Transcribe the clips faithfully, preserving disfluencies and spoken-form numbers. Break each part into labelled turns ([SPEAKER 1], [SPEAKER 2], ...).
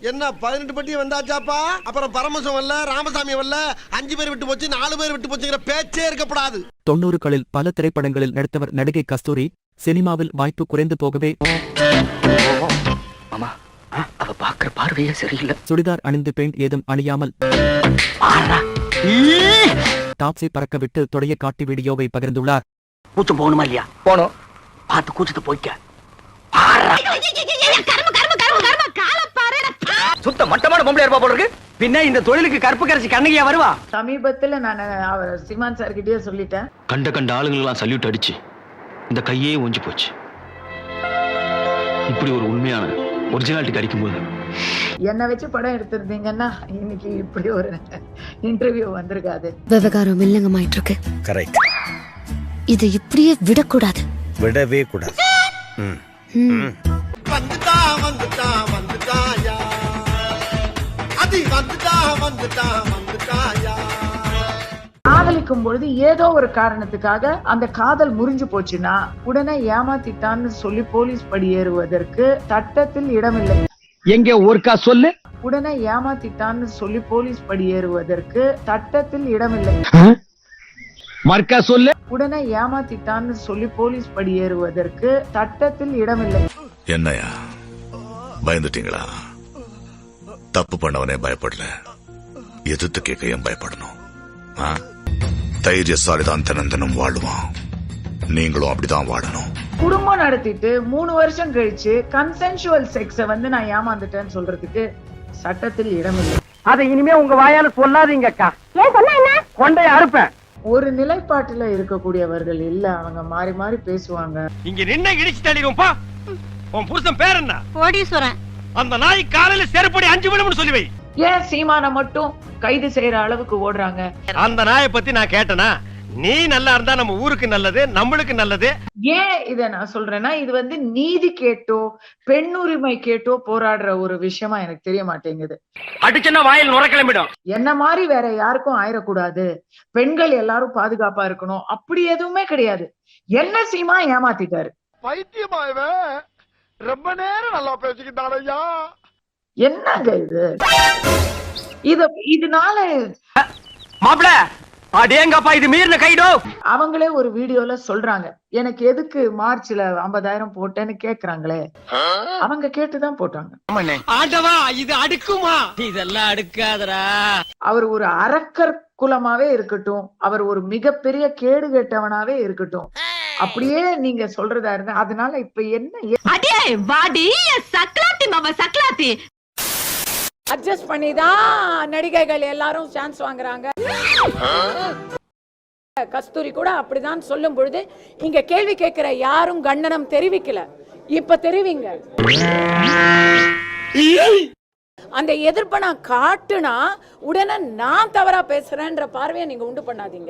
[SPEAKER 1] என்ன பதினெட்டு பட்டி வந்தாச்சாப்பா? அப்புறம் பரமசம் வரல, ராமசாமி வரல, அஞ்சு பேர் விட்டு போச்சு, நாலு பேர் விட்டு போச்சுங்கிற பேச்சே இருக்கப்படாது.
[SPEAKER 2] தொண்ணூறுகளில் பல திரைப்படங்களில் நடித்தவர் நடிகை கஸ்தூரி. சினிமாவில் வாய்ப்பு குறைந்து போகவே
[SPEAKER 3] அவ பாக்குற பார்வையே சரியில்லை.
[SPEAKER 2] சுடிதார் அணிந்து பெயிண்ட் ஏதும் அணியாமல் டாப்ஸை பறக்க விட்டு தொடைய காட்டி வீடியோவை பகிர்ந்துள்ளார்.
[SPEAKER 3] கூச்சம் போகணுமா இல்லையா? போனோம். பார்த்து கூச்சத்தை போய்க்க. சுத்த மட்டமான பொம்பளை இருப்பா போல இருக்கு. பின்ன இந்த தொழிலுக்கு கருப்பு கரைச்சி கண்ணகியா வருவா?
[SPEAKER 4] சமீபத்துல நான் அவர் சீமான் சார் கிட்டயே சொல்லிட்டேன்.
[SPEAKER 5] கண்ட கண்ட ஆளுங்களெல்லாம் சல்யூட் அடிச்சு இந்த கையே ஒஞ்சி போச்சு. இப்படி ஒரு உண்மையான ஒரிஜினாலிட்டி கிடைக்கும் போது
[SPEAKER 4] என்ன வச்சு படம் எடுத்திருந்தீங்கன்னா இன்னைக்கு இப்படி ஒரு இன்டர்வியூ வந்திருக்காது.
[SPEAKER 6] விவகாரம் இல்லங்கமாயிட்டு இருக்கு.
[SPEAKER 7] கரெக்ட்.
[SPEAKER 6] இது இப்படியே விடக்கூடாது.
[SPEAKER 7] விடவே கூடாது.
[SPEAKER 1] வந்துட்டா வந்துட்டா வந்துட்டாயா, அது வந்துட்டா வந்துட்டா வந்துட்டாயா.
[SPEAKER 4] காதலிக்கும் பொழுது ஏதோ ஒரு காரணத்துக்காக அந்த காதல் முறிஞ்சு போச்சுன்னா உடனே ஏமாத்திட்டான்னு சொல்லி போலீஸ் படி ஏறுவதற்கு சட்டத்தில் இடமில்லை.
[SPEAKER 3] எங்க ஒருக்கா சொல்லு.
[SPEAKER 4] உடனே ஏமாத்திட்டான்னு சொல்லி போலீஸ் படி ஏறுவதற்கு சட்டத்தில் இடமில்லை.
[SPEAKER 3] மர்க்கா சொல்லு.
[SPEAKER 4] உடனே ஏமாத்திட்டான்னு சொல்லி போலீஸ் படி ஏறுவதற்கு சட்டத்தில் இடமில்லை.
[SPEAKER 8] என்னையா பயந்துட்டீங்களா? தப்பு பண்ணவனே பயப்படல, எதிர்த்து கேட்க ஏன் பயப்படணும்? தைரியசாலிதான் தினந்தனம் வாழுவான். நீங்களும் அப்படிதான் வாழணும்.
[SPEAKER 4] குடும்பம் நடத்திட்டு மூணு வருஷம் கழிச்சு கன்சென்சுவல் செக்ஸ வந்து நான் ஏமாந்துட்டேன்னு சொல்றதுக்கு சட்டத்தில் இடமில்லை.
[SPEAKER 3] அதை இனிமே உங்க வாயால சொல்லாதீங்க அக்கா. ஏன் சொன்னா என்ன? கொண்டைய அறுப்பேன்.
[SPEAKER 4] ஒரு நிலைப்பாட்டுல இருக்கக்கூடியவர்கள் இல்ல, அவங்க மாறி மாறி பேசுவாங்க.
[SPEAKER 9] இங்க நின்ன இடிச்சு தள்ளிடுவோம்பா. உன் புருஷன் பேர் என்ன?
[SPEAKER 6] கோடீஸ்வரன்.
[SPEAKER 9] அந்த நாய் காலையில செருப்படி அஞ்சு விழும்னு சொல்லுவை.
[SPEAKER 4] ஏன் சீமான மட்டும் கைது செய்யற அளவுக்கு ஓடுறாங்க?
[SPEAKER 9] அந்த நாயை பத்தி நான் கேட்டனா, நீ நல்லா இருந்தா நம்ம ஊருக்கு நல்லது, நம்மளுக்கு நல்லது.
[SPEAKER 4] ஏன் இத நான் சொல்றேன்னா, இது வந்து நீதி கேட்டோ பெண் உரிமை கேட்டோ போராடுற ஒரு விஷயமா எனக்கு தெரிய மாட்டேங்குது.
[SPEAKER 9] அடிச்சனா வாயில் நுர கிளம்பிடும்.
[SPEAKER 4] என்ன மாதிரி வேற யாருக்கும் ஆயிடக்கூடாது, பெண்கள் எல்லாரும் பாதுகாப்பா இருக்கணும், அப்படி எதுவுமே கிடையாது. என்ன சீமா ஏமாத்திட்டாரு.
[SPEAKER 1] பைத்தியமாயவே ரொம்ப நேரம் நல்லா பேசிக்கிட்டாரையா.
[SPEAKER 4] என்னங்க இது? இத இதனால
[SPEAKER 3] மாப்ள அடேங்கப்பா இது மீறின கைடோ.
[SPEAKER 4] அவங்களே ஒரு வீடியோல சொல்றாங்க, எனக்கு எதுக்கு மார்ச்ல ஐம்பதாயிரம் போட்டேன்னு கேக்குறாங்களே. அவங்க கேட்டுதான் போட்டாங்க.
[SPEAKER 9] ஆண்டவா இது அடுக்குமா? இதெல்லாம் அடுக்காதரா.
[SPEAKER 4] அவர் ஒரு அரக்கர் குலமாவே இருக்கட்டும், அவர் ஒரு மிகப்பெரிய கேடு கெட்டவனாவே இருக்கட்டும், அப்படியே நீங்க சொல்றதா இருந்தா அதனால இப்ப என்ன
[SPEAKER 6] அடே வாடி சக்லாத்தி மாமா சக்லாத்தி.
[SPEAKER 10] அட்ஜஸ்ட் பண்ணி தான் நடிகைகள் எல்லாரும் சான்ஸ் வாங்குறாங்க. கஸ்தூரி கூட அப்படிதான் சொல்லும் பொழுது இங்க கேள்வி கேட்கிற யாரும் கண்டனம் தெரிவிக்கல. இப்ப தெரிவிங்க. அந்த எதிர்ப்பை நான் காட்டுனா உடனே நான் தவறா பேசுறேன்ற பார்வையை நீங்க உண்டு பண்ணாதீங்க.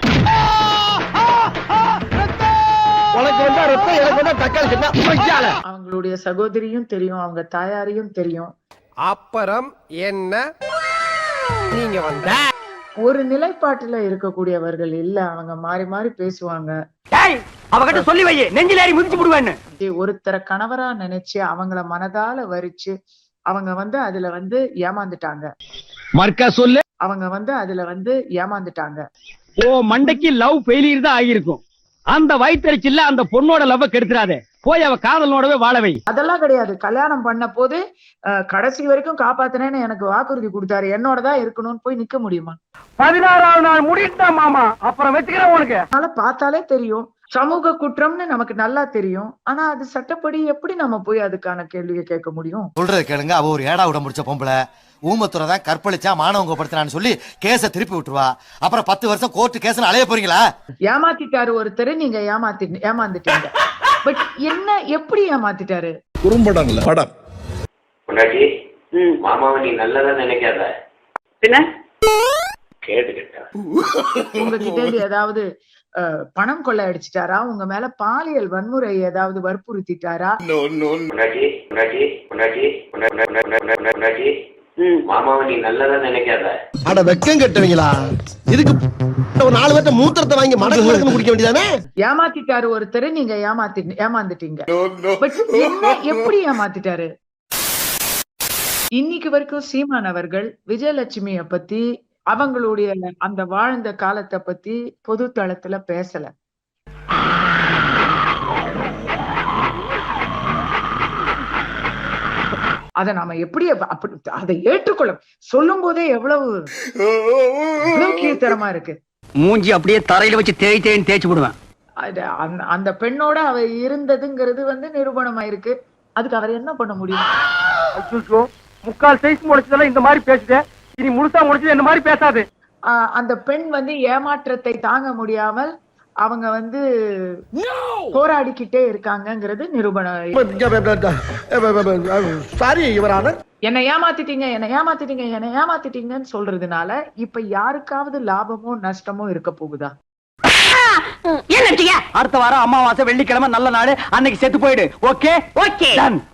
[SPEAKER 4] அவங்களுடைய சகோதரியும் தெரியும், அவங்க தாயாரையும் தெரியும்.
[SPEAKER 1] அப்புறம் என்ன நீங்க வந்த
[SPEAKER 4] ஒரு நிலைப்பாட்டுல இருக்கக்கூடியவர்கள் இல்ல, அவங்க மாறி மாறி பேசுவாங்க.
[SPEAKER 3] அவகிட்ட சொல்லி வை, நெஞ்சில ஏறி மிதிச்சு விடுவேன்னு.
[SPEAKER 4] ஒருத்தர கணவரா நினைச்சு அவங்கள மனதால வரிச்சு அவங்க வந்து அதுல வந்து ஏமாந்துட்டாங்க.
[SPEAKER 3] மர்க்கா சொல்லு.
[SPEAKER 4] அவங்க வந்து அதுல வந்து ஏமாந்துட்டாங்க.
[SPEAKER 3] ஓ மண்டைக்கு லவ் ஃபெயிலியர் தான் ஆகியிருக்கும். அந்த வயிற்றுச்சில்ல அந்த பொண்ணோட லவ் கெடுத்துறாதே, போய் அவ காதலோடவே வாழவை.
[SPEAKER 4] அதெல்லாம் கிடையாது. கல்யாணம் பண்ண போது கடைசி வரைக்கும் காப்பாத்தினேன்னு எனக்கு வாக்குறுதி கொடுத்தாரு, என்னோடதான் இருக்கணும்னு போய் நிக்க முடியுமா?
[SPEAKER 3] பதினாறாவது நாள் முடிட்டா மாமா, அப்புறம் வச்சுக்கிறேன் உனக்கு.
[SPEAKER 4] அதனால பார்த்தாலே தெரியும், சமூக குற்றம்னு நமக்கு நல்லா தெரியும். ஆனா அது சட்டப்படி எப்படி நம்ம போய் அதுக்கான கேள்வியை கேட்க முடியும்?
[SPEAKER 7] சொல்றது கேளுங்க, அவ ஒரு ஏடா விட முடிச்ச பொம்பளை, ஊமத்துறை தான் கற்பழிச்சா மானவங்க படுத்தினான்னு சொல்லி கேஸ திருப்பி விட்டுருவா. அப்புறம் பத்து வருஷம் கோர்ட்டு கேஸ் அலைய போறீங்களா?
[SPEAKER 4] ஏமாத்திட்டாரு ஒருத்தர், நீங்க ஏமாத்தி ஏமாந்துட்டீங்க. பட் என்ன எப்படி ஏமாத்திட்டாரு?
[SPEAKER 8] குறும்படங்கள படம்
[SPEAKER 11] பொண்டாட்டி, மாமாவை நீ நல்லதா நினைக்காத,
[SPEAKER 10] பின்ன
[SPEAKER 11] கேட்டுக்கிட்ட
[SPEAKER 4] உங்ககிட்ட ஏதாவது பணம் கொள்ளை அடிச்சிட்டாரா? உங்க மேல பாலியல் வன்முறை ஏதாவது வற்புறுத்திட்டாரா?
[SPEAKER 11] பொண்டாட்டி பொண்டாட்டி பொண்டாட்டி பொண்டாட்டி மாமாவை நீ நல்லதா நினைக்காத.
[SPEAKER 1] அட வெக்கம் கட்டுவீங்களா? இதுக்கு ஒரு நாலு பேர்த்த மூத்திரத்தை வாங்கி மடக்கு குடிக்க வேண்டியதானே?
[SPEAKER 4] ஏமாத்திட்டாரு ஒருத்தர், நீங்க ஏமாத்தி ஏமாந்துட்டீங்க. பட் என்ன எப்படி ஏமாத்திட்டாரு? இன்னைக்கு வரைக்கும் சீமான் அவர்கள் விஜயலட்சுமிய பத்தி அவங்களுடைய அந்த வாழ்ந்த காலத்தை பத்தி பொது தளத்துல பேசல. அத நாம எப்படி அப்படி அதை ஏற்றுக்கொள்ள சொல்லும் போதே எவ்வளவு எவ்வளவு கீழ்த்தரமா இருக்கு.
[SPEAKER 3] மூஞ்சி அப்படியே தரையில வச்சு தேய் தேய்ன்னு தேய்ச்சி விடுவேன்.
[SPEAKER 4] அந்த பெண்ணோட அவ இருந்ததுங்கிறது வந்து நிரூபணமாயிருக்கு. அதுக்கு அவர் என்ன பண்ண முடியும்?
[SPEAKER 3] முக்கால் சைஸ் முடிச்சதெல்லாம் இந்த மாதிரி பேசுது, இனி முழுசா முடிச்சது இந்த மாதிரி பேசாது.
[SPEAKER 4] அந்த பெண் வந்து ஏமாற்றத்தை தாங்க முடியாமல் அவங்க வந்து போராடிக்கிட்டே இருக்காங்கிறது நிரூபணம்.
[SPEAKER 1] சாரி யுவரானர்,
[SPEAKER 4] என்னை ஏமாத்திட்டீங்க என்னை ஏமாத்திட்டீங்க என்னை ஏமாத்திட்டீங்கன்னு சொல்றதுனால இப்ப யாருக்காவது லாபமோ நஷ்டமோ இருக்க போகுதா?
[SPEAKER 3] அடுத்த வாரம் அமாவாசை வெள்ளிக்கிழமை நல்ல நாடு, அன்னைக்கு செத்து போயிடு. Okay okay ton.